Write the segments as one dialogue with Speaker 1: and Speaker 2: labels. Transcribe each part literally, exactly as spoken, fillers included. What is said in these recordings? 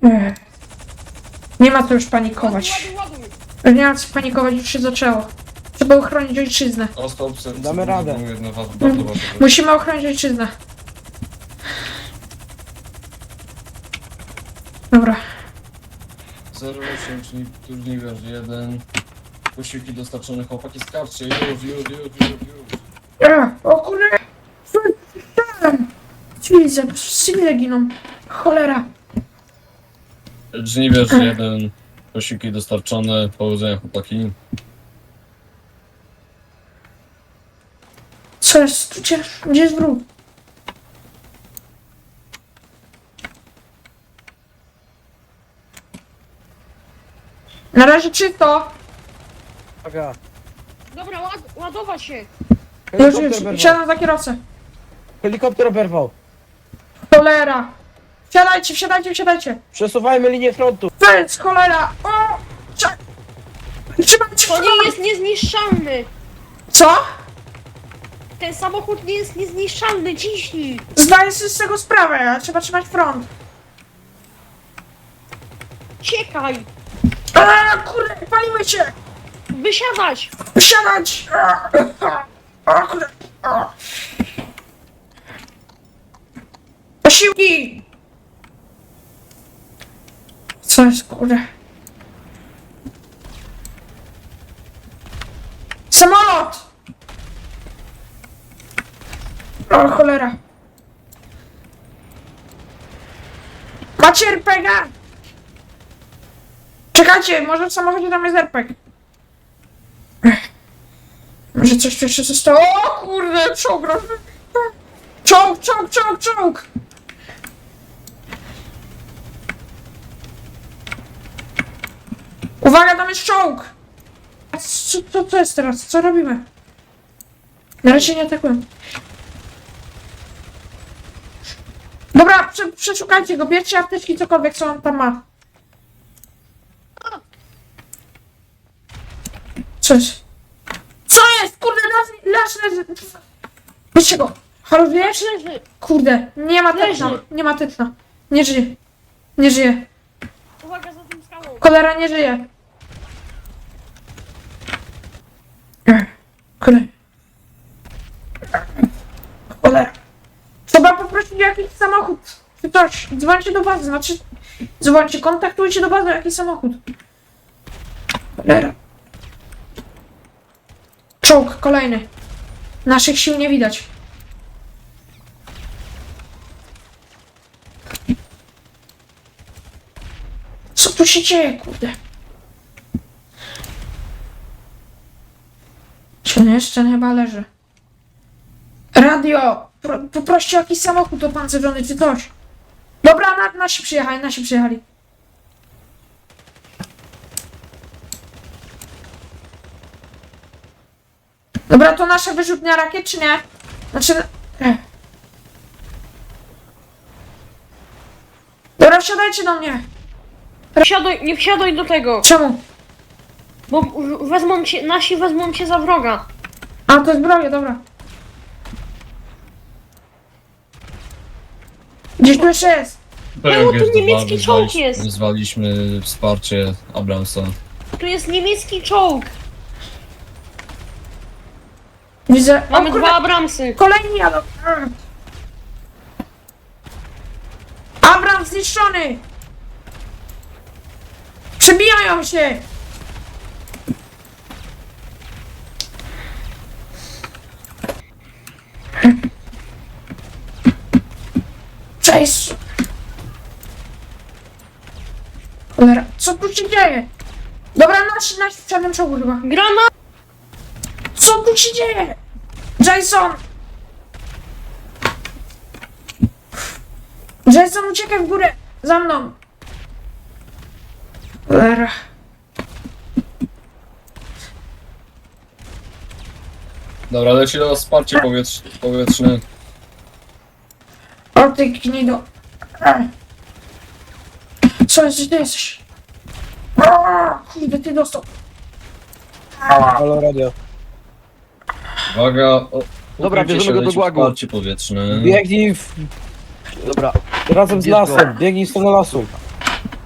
Speaker 1: Ech. Nie ma co już panikować.
Speaker 2: Ładuj, ładuj.
Speaker 1: Nie ma co panikować, już się zaczęło. Trzeba ochronić ojczyznę.
Speaker 3: Damy radę.
Speaker 1: Musimy ochronić ojczyznę. Dobra.
Speaker 3: zero osiem, czyli turniejwerz jeden. Posiłki dostarczone, chłopaki, skarczcie, już, już, już, już, już.
Speaker 1: Ech, o kurde! Cywile, cywile giną. Cholera.
Speaker 3: Żniwierz jeden. Posiłki dostarczone, powodzenia, chłopaki.
Speaker 1: Co jest? Gdzie, gdzie jest wróg? Na razie czysto.
Speaker 4: Uwaga.
Speaker 2: Dobra, ład, ładować się.
Speaker 1: Już,
Speaker 4: Helikopter
Speaker 1: już,
Speaker 4: oberwał.
Speaker 1: wsiadam za kierowcę.
Speaker 4: Helikopter oberwał.
Speaker 1: Cholera. Wsiadajcie, wsiadajcie, wsiadajcie.
Speaker 4: Przesuwajmy linię frontu.
Speaker 1: Fels, cholera. O! Trze- Trzymajcie
Speaker 2: To
Speaker 1: się.
Speaker 2: nie jest niezniszczalny.
Speaker 1: Co?
Speaker 2: Ten samochód nie jest niezniszczalny, ciśnij.
Speaker 1: Zdaję sobie z tego sprawę, ale trzeba trzymać front.
Speaker 2: Ciekaj.
Speaker 1: A, kurde, palimy się.
Speaker 2: Wysiadać.
Speaker 1: Wsiadać. A, a, o, kurde. A. Posiłki. Co jest, kurde? Samolot! O, cholera. Macie er pe gie? Czekajcie, może w samochodzie tam jest er pe gie. Ech. Może coś tu jeszcze zostało? O kurde, czołg! roz- Czołg, czołg, czołg, czołg! Uwaga, tam jest czołg! A co, co, co jest teraz? Co robimy? Na razie nie atakuję. Dobra, prze, przeszukajcie go, bierzcie apteczki, cokolwiek, co on tam ma. Co jest? Co jest? Kurde, las, las leży. Bierzcie go. Halo, wiesz?
Speaker 2: Leży.
Speaker 1: Kurde, nie ma tetna,
Speaker 2: Leży.
Speaker 1: nie ma tetna. Nie żyje. Nie żyje.
Speaker 2: Uwaga za tym skałą.
Speaker 1: Cholera, nie żyje. Ech, Cholera. Cholera. Trzeba poprosić o jakiś samochód. Czy coś. Dzwońcie do bazy, znaczy... Dzwońcie, kontaktujcie do bazy o jakiś samochód. Cholera. Czołg, kolejny. Naszych sił nie widać. Co tu się dzieje, kurde? Ten jeszcze chyba leży. Radio! Pro, poproście o jakiś samochód opancerzony czy coś. Dobra, na, nasi przyjechali, nasi przyjechali. Dobra, to nasza wyrzutnia rakiet, czy nie? Znaczy... Ech. Dobra, wsiadajcie do mnie.
Speaker 2: Wsiadaj, nie wsiadaj do tego.
Speaker 1: Czemu?
Speaker 2: Bo w- wezmą cię, nasi wezmą cię za wroga.
Speaker 1: A, to zbroja, dobra. Gdzieś tu jeszcze jest.
Speaker 2: Było tu niemiecki czołg jest.
Speaker 3: Wezwaliśmy wsparcie Abramsa.
Speaker 2: Tu jest niemiecki czołg.
Speaker 1: Widzę.
Speaker 2: Mamy
Speaker 1: o, kurde,
Speaker 2: dwa Abramsy.
Speaker 1: kolejni jadą. Abram zniszczony! Przebijają się! Cześć! Cholera, co tu się dzieje? Dobra, nasi, nasi w czarnym czołgu chyba.
Speaker 2: Granat.
Speaker 1: Co tu się dzieje? Jason! Jason, uciekaj w górę! Za mną! Cholera.
Speaker 3: Dobra, leci do nas wsparcie powietrz powietrzne.
Speaker 1: O ty gnido. Co jest, gdzie ty jesteś? O, kurde, ty dostał.
Speaker 4: Halo, radio.
Speaker 3: Uwaga, o,
Speaker 4: Dobra,
Speaker 3: ukryjcie
Speaker 4: bierzemy
Speaker 3: się,
Speaker 4: go do
Speaker 3: leci
Speaker 4: głagu.
Speaker 3: Wsparcie powietrzne.
Speaker 4: Biegnij w... Dobra. Razem z
Speaker 3: Gdzie to?
Speaker 4: lasem. Biegnij w stronę lasu.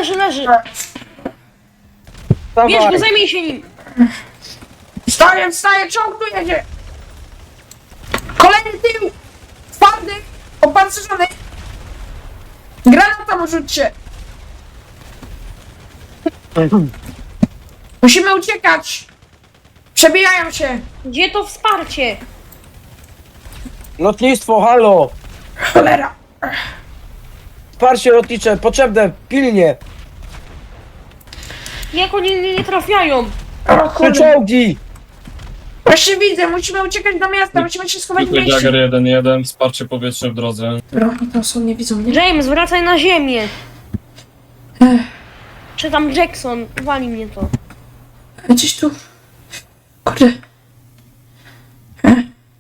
Speaker 2: leży, leży.
Speaker 4: Dawaj.
Speaker 2: Bierz go, zajmij się nim.
Speaker 1: Wstaję, wstaję, czołg tu jedzie! Kolejny tył! Twardy! Opancerzony! Granata mu rzućcie! Musimy uciekać! Przebijają się!
Speaker 2: Gdzie to wsparcie?
Speaker 4: Lotnictwo, halo!
Speaker 1: Cholera!
Speaker 4: Wsparcie lotnicze, potrzebne, pilnie!
Speaker 2: Jak oni nie, nie trafiają?
Speaker 1: O
Speaker 4: Trzy
Speaker 1: kurde!
Speaker 4: czołgi!
Speaker 1: Właśnie widzę, musimy uciekać do miasta, musimy się schować w
Speaker 3: Zwykły
Speaker 1: mieście!
Speaker 3: Jagger jeden jeden, wsparcie powietrzne w drodze.
Speaker 1: Dobra, oni to są, nie widzą mnie.
Speaker 2: James, wracaj na ziemię.
Speaker 1: Ech,
Speaker 2: Czy tam Jackson? Wali mnie to.
Speaker 1: gdzieś tu... Kurde. Ech.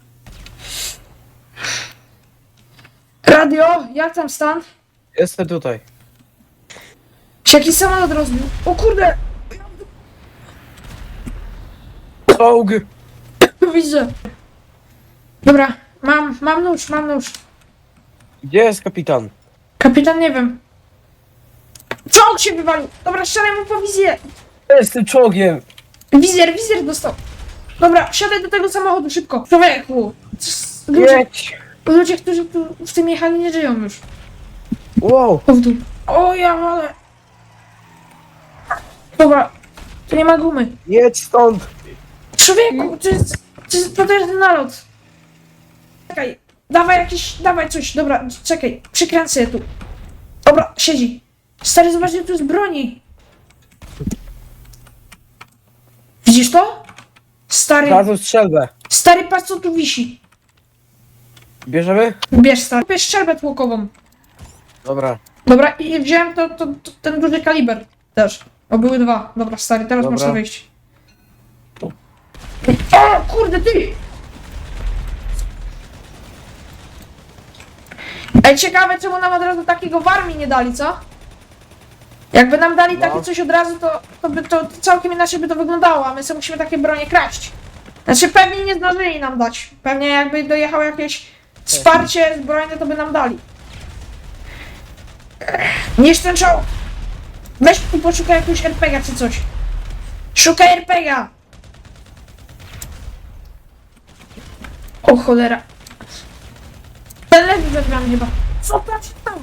Speaker 1: Radio, jak tam stan?
Speaker 4: Jestem tutaj.
Speaker 1: Się jakiś samolot rozbił. O kurde!
Speaker 4: Czołg!
Speaker 1: Widzę. Dobra, mam, mam nóż, mam nóż.
Speaker 4: Gdzie jest kapitan?
Speaker 1: Kapitan, nie wiem. Czołg się wywalił! Dobra, strzelaj mu po wizję!
Speaker 4: Z tym czołgiem!
Speaker 1: Wizjer, wizjer dostał. Dobra, wsiadaj do tego samochodu szybko. Człowieku! Ludzie,
Speaker 4: Jedź!
Speaker 1: ludzie, którzy tu w tym jechali, nie żyją już.
Speaker 4: Wow!
Speaker 1: O w dół. O ja ale. Dobra, tu nie ma gumy.
Speaker 4: Jedź stąd!
Speaker 1: Człowieku, to jest, to jest potężny nalot. Czekaj, dawaj jakiś, dawaj coś, dobra, czekaj, przykręcę je tu. Dobra, siedzi. Stary, zobacz, ile tu jest broni. Widzisz to? Stary,
Speaker 4: Znalazłem strzelbę.
Speaker 1: stary, patrz co tu wisi.
Speaker 4: Bierzemy?
Speaker 1: Bierz, stary, bierz strzelbę tłokową.
Speaker 4: Dobra.
Speaker 1: Dobra, i wziąłem to, to, to, ten duży kaliber też. O, były dwa. Dobra, stary, teraz
Speaker 4: Dobra.
Speaker 1: można wyjść. O, kurde, ty! Ej, ciekawe, czemu nam od razu takiego w armii nie dali, co? Jakby nam dali
Speaker 4: No.
Speaker 1: takie coś od razu, to, to by to całkiem inaczej by to wyglądało, a my sobie musimy takie bronie kraść. Znaczy, pewnie nie zdążyli nam dać. Pewnie jakby dojechało jakieś wsparcie zbrojne, to by nam dali. Niż ten czołg! Weź tu poszukaj jakiegoś er pe gie czy coś. Szukaj er pe gie! O cholera. Ten leży za drzwiami chyba. Co tam się stało?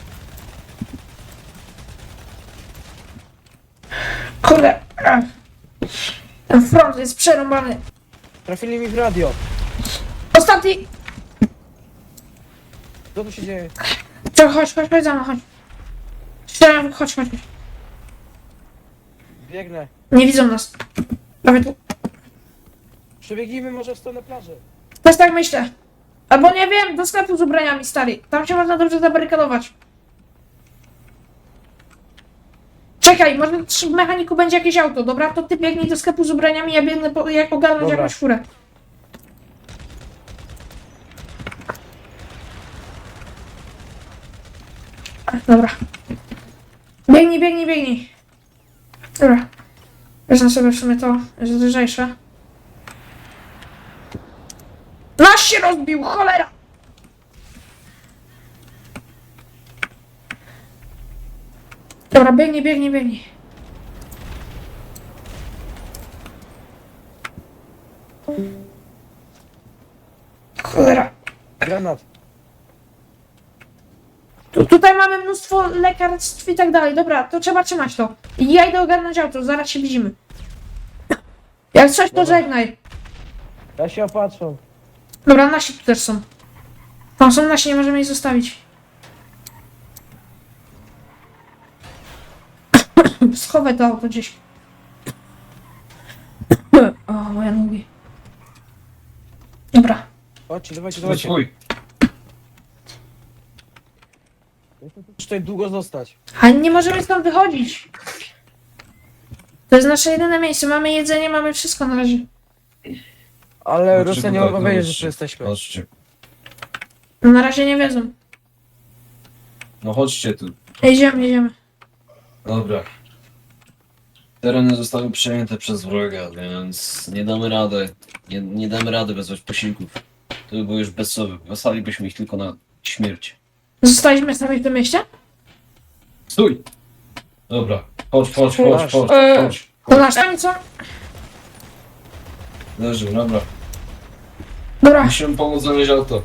Speaker 1: Kurde. Ech. Ten front jest przerąbany.
Speaker 4: Trafili mi w radio.
Speaker 1: Ostatni!
Speaker 4: Co tu się dzieje?
Speaker 1: Co, chodź, chodź, chodź za mną, chodź. Strzelam, chodź, chodź. chodź.
Speaker 4: Biegnę.
Speaker 1: Nie widzą nas. Prawie tu.
Speaker 4: Przebiegnijmy może w stronę plaży.
Speaker 1: Też tak myślę. Albo nie wiem, do sklepu z ubraniami, stary. Tam się można dobrze zabarykadować. Czekaj, może w mechaniku będzie jakieś auto, dobra? To ty biegnij do sklepu z ubraniami, ja biegnę po, jak ogarnąć
Speaker 4: Dobra.
Speaker 1: jakąś furę. Ach, dobra. Biegnij, biegnij, biegnij. Dobra. Wezmę sobie w sumie to, jest lżejsze. Nasz się rozbił, cholera! Dobra, biegnij, biegnij, biegnij. Cholera.
Speaker 4: Granat.
Speaker 1: Tu, tutaj mamy mnóstwo lekarstw i tak dalej. Dobra, to trzeba trzymać to. I ja idę ogarnąć auto, zaraz się widzimy. Jak coś, to
Speaker 4: Dobra.
Speaker 1: żegnaj.
Speaker 4: Ja się opatrzę.
Speaker 1: Dobra, nasi tu też są. Tam są nasi, nie możemy ich zostawić. Schowaj to auto gdzieś. O, moje nogi. Dobra.
Speaker 4: Chodźcie, dawajcie,
Speaker 3: No
Speaker 4: dawajcie.
Speaker 3: swój.
Speaker 4: Muszę tutaj długo zostać.
Speaker 1: Ale nie możemy stąd wychodzić. To jest nasze jedyne miejsce. Mamy jedzenie, mamy wszystko na razie.
Speaker 4: Ale
Speaker 3: Chodźcie
Speaker 4: Rosjanie
Speaker 3: tutaj,
Speaker 4: mogą wiedzieć, że
Speaker 3: chodźcie.
Speaker 4: tu jesteśmy.
Speaker 3: Chodźcie.
Speaker 1: No na razie nie wiedzą.
Speaker 3: No chodźcie tu.
Speaker 1: Jedziemy, jedziemy.
Speaker 3: Dobra. Tereny zostały przejęte przez wroga, więc nie damy rady. Nie, nie damy rady wezwać posiłków. To by było już bezsłowy. Wysłalibyśmy ich tylko na śmierć.
Speaker 1: Zostaliśmy sami w tym mieście?
Speaker 3: Stój! Dobra, chodź, chodź, chodź, chodź,
Speaker 1: Eee.
Speaker 3: chodź.
Speaker 1: To nasz tam co?
Speaker 3: Leży, dobra.
Speaker 1: Dobra,
Speaker 3: Musimy pomóc znaleźć auto.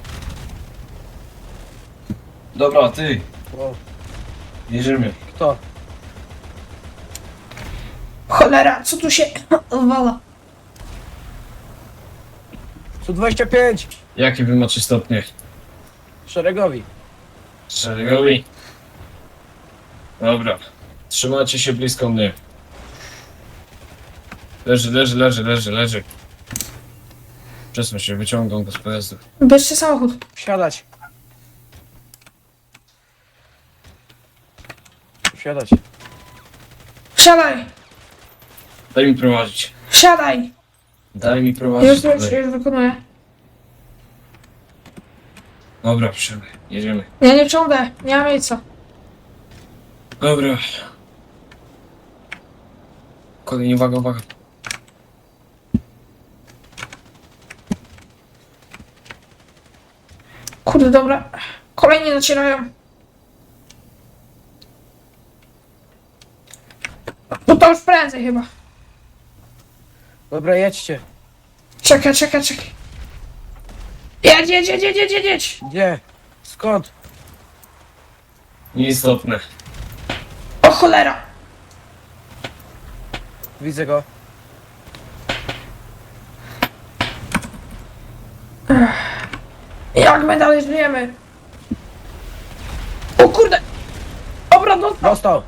Speaker 3: Dobra, ty,
Speaker 4: O,
Speaker 3: jedziemy.
Speaker 4: kto?
Speaker 1: cholera, co tu się wala?
Speaker 4: sto dwadzieścia pięć!
Speaker 3: Jakie wy macie stopnie?
Speaker 4: Szeregowi.
Speaker 3: Szeregowi. Dobra. Trzymajcie się blisko mnie. Leży, leży, leży, leży, leży. Przesuń się, wyciągam go z pojazdu.
Speaker 1: Bierzcie samochód.
Speaker 4: Wsiadać. Wsiadać.
Speaker 1: Wsiadaj,
Speaker 3: Daj mi prowadzić.
Speaker 1: wsiadaj.
Speaker 3: Daj mi
Speaker 1: Już,
Speaker 3: prowadzić.
Speaker 1: już,
Speaker 3: Daj.
Speaker 1: już wykonuję.
Speaker 3: Dobra, wsiadaj. Jedziemy.
Speaker 1: Ja nie wciągnę, nie mam miejsca.
Speaker 3: Dobra. Kolejnie, uwaga, uwaga.
Speaker 1: Kurde, dobra. Kolejni nacierają. No to już prędzej chyba.
Speaker 4: Dobra, jedźcie.
Speaker 1: Czekaj, czekaj, czekaj. Jedź, jedź, jedź, jedź, jedź, jedź, jedź.
Speaker 4: Gdzie? Skąd?
Speaker 3: Nieistotne.
Speaker 1: O cholera.
Speaker 4: Widzę go.
Speaker 1: Jak my dalej żyjemy? O kurde. Dobra, no.
Speaker 4: Dostał.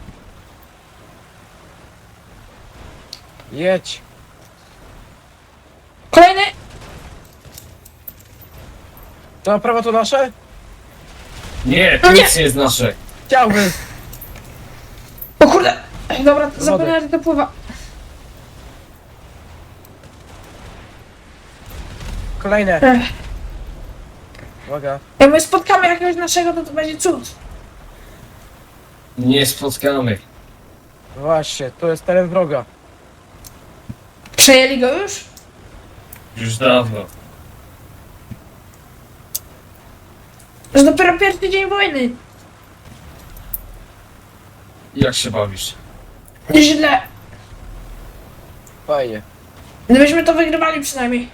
Speaker 4: Jedź.
Speaker 1: Kolejny.
Speaker 4: To na prawo to nasze?
Speaker 3: Nie, to
Speaker 1: No nie.
Speaker 3: nic nie jest nasze.
Speaker 4: Chciałbym.
Speaker 1: O kurde. Ej, dobra, zapomniałem, że to pływa.
Speaker 4: Kolejne.
Speaker 1: Ech.
Speaker 4: Uwaga.
Speaker 1: Jak my spotkamy jakiegoś naszego, to to będzie cud.
Speaker 3: Nie spotkamy.
Speaker 4: Właśnie, to jest teren wroga.
Speaker 1: Przejęli go już?
Speaker 3: Już dawno.
Speaker 1: To jest dopiero pierwszy dzień wojny.
Speaker 3: Jak się bawisz?
Speaker 1: Źle.
Speaker 4: Fajnie.
Speaker 1: Gdybyśmy to wygrywali przynajmniej.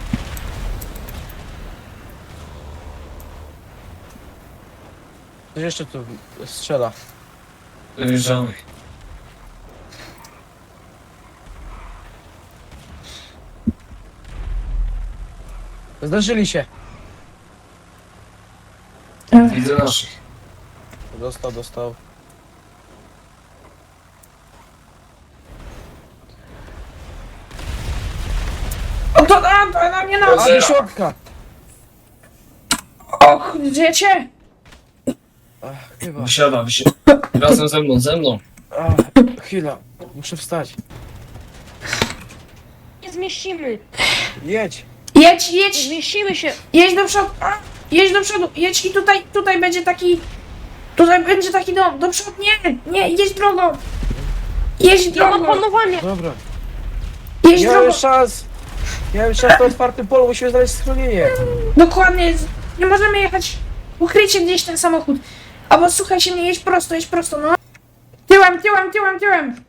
Speaker 4: Coś jeszcze tu strzela.
Speaker 3: Wyjeżdżamy.
Speaker 4: Zdarzyli się.
Speaker 3: Widzę naszych.
Speaker 4: Dostał, dostał.
Speaker 1: O to, a, to na mnie nas.
Speaker 4: A do środka!
Speaker 1: Och, żyjecie?
Speaker 4: Ach, chyba.
Speaker 3: Wysiada, wysiada. Razem ze mną, ze mną.
Speaker 4: Ach, chwila. Muszę wstać.
Speaker 2: Nie zmieścimy.
Speaker 4: Jedź.
Speaker 1: Jedź,
Speaker 2: Nie
Speaker 1: jedź,
Speaker 2: zmieścimy się.
Speaker 1: jedź do przodu. A, jedź do przodu, jedź i tutaj, tutaj będzie taki... Tutaj będzie taki dom. Do przodu, nie, nie, jedź drogą. Jedź
Speaker 2: Ja mam
Speaker 1: drogą,
Speaker 2: panowanie.
Speaker 4: Dobra.
Speaker 1: jedź
Speaker 4: Nie
Speaker 1: drogą.
Speaker 4: mamy szans. Nie mamy szans na otwartym polu, musimy znaleźć schronienie.
Speaker 1: Dokładnie, nie możemy jechać. Ukryjcie gdzieś ten samochód. Albo słuchajcie mnie, jedź prosto, jedź prosto, no. Tyłem, tyłem, tyłem, tyłem.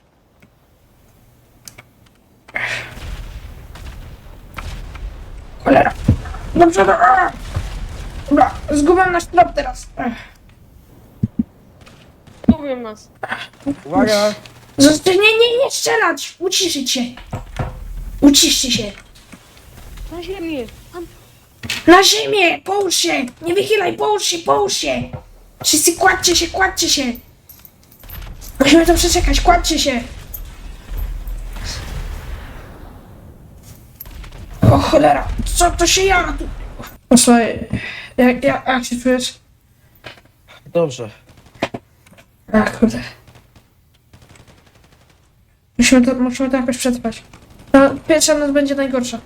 Speaker 1: Cholera. Do przodu. A! Dobra, zgubiłem nasz trop teraz. Ech.
Speaker 2: Lubią nas.
Speaker 4: Uwaga.
Speaker 1: Zosta- nie, nie, nie strzelać! Uciszyć się. Uciszcie się.
Speaker 2: Na ziemię. Tam.
Speaker 1: Na ziemię! Połóż się! Nie wychylaj, połóż się, połóż się! Wszyscy kładźcie się, kładźcie się! Musimy to przeczekać, kładźcie się! O cholera, co to się jara tu? O słuchaj, jak, jak, jak się czujesz?
Speaker 4: Dobrze.
Speaker 1: Ach, kurde. Musimy to, musimy to jakoś przetrwać. No, pierwsza noc będzie najgorsza.